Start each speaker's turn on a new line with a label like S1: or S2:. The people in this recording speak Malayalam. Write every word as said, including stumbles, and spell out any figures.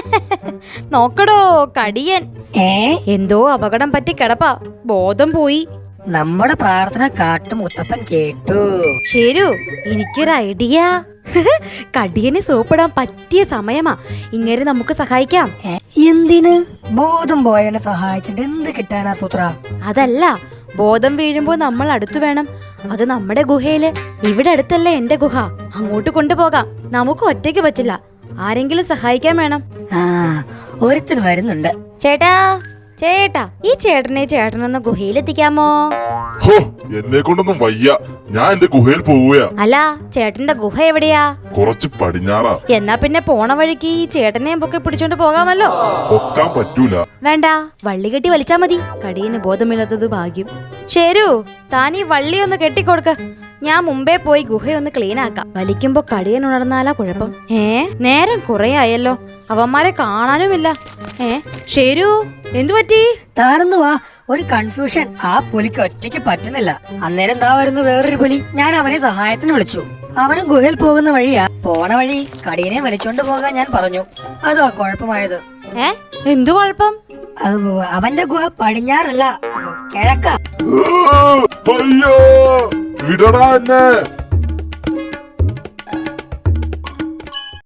S1: നോക്കടോ കടിയൻ.
S2: ഏ
S1: എന്തോ അപകടം പറ്റി കിടപ്പാ, ബോധം പോയി.
S2: നമ്മുടെ പ്രാർത്ഥന കാട്ടു മുത്തപ്പൻ കേട്ടു.
S1: ശരു, എനിക്കൊരു ഐഡിയ. കടിയനെ സോപ്പിടാൻ പറ്റിയ സമയമാ. ഇങ്ങനെ നമുക്ക് സഹായിക്കാം.
S2: എന്തിന്? ബോധം പോയവനെ സഹായിച്ചിട്ട് എന്ത് കിട്ടാനാ സൂത്ര?
S1: അതല്ല, ബോധം വീഴുമ്പോ നമ്മൾ അടുത്തു വേണം. അത് നമ്മുടെ ഗുഹയില്. ഇവിടെ അടുത്തല്ലേ എന്റെ ഗുഹ. അങ്ങോട്ട് കൊണ്ടുപോകാം. നമുക്ക് ഒറ്റയ്ക്ക് പറ്റില്ല, ആരെങ്കിലും സഹായിക്കാൻ വേണം.
S2: ആ, ഒരുത്തിന് വരുന്നുണ്ട്.
S1: ചേട്ടാ ചേട്ടാ ഈ ചേട്ടനെ ചേട്ടനൊന്ന് ഗുഹയിലെത്തിക്കാമോ?
S3: ഹോ, എന്നെ കൊണ്ടൊന്നും വയ്യ. ഞാൻ എന്റെ ഗുഹയിൽ പോവുകയാ.
S1: അല്ല, ചേട്ടന്റെ ഗുഹ എവിടെയാ?
S3: കുറച്ച് പടിഞ്ഞാറാ.
S1: എന്നാ പിന്നെ പോണ വഴിക്ക് ഈ ചേട്ടനെയും പൊക്കെ പിടിച്ചോണ്ട് പോകാമല്ലോ.
S3: പൊക്കാൻ പറ്റൂല.
S1: വേണ്ട, വള്ളി കെട്ടി വലിച്ചാ മതി. കടിയന് ബോധമില്ലാത്തത് ഭാഗ്യം. ശരു, താൻ ഈ വള്ളി ഒന്ന് കെട്ടിക്കൊടുക്ക. ഞാൻ മുമ്പേ പോയി ഗുഹയൊന്ന് ക്ലീൻ ആക്കാം. വലിക്കുമ്പോ കടിയൻ ഉണർന്നാലാ കുഴപ്പം. ഏ നേരം കുറെ ആയല്ലോ, അവന്മാരെ കാണാനുമില്ല. ഏ ശരു, എന്തു പറ്റി?
S2: താനൊന്നു വാ, ഒരു കൺഫ്യൂഷൻ. ആ പുലിക്ക് ഒറ്റയ്ക്ക് പറ്റുന്നില്ല. അന്നേരം എന്താ വരുന്നു വേറൊരു പുലി. ഞാൻ അവനെ സഹായത്തിന് വിളിച്ചു. അവനും ഗുഹയിൽ പോകുന്ന വഴിയാ. പോണ വഴി കടിയനെ വലിച്ചോണ്ട് പോകാൻ ഞാൻ പറഞ്ഞു. അതോ കുഴപ്പമായത്.
S1: ഏ എന്തു കുഴപ്പം?
S2: അവന്റെ ഗുഹ പടിഞ്ഞാറല്ല, കിഴക്ക.
S3: അയ്യോ, വിടടാ എന്നെ.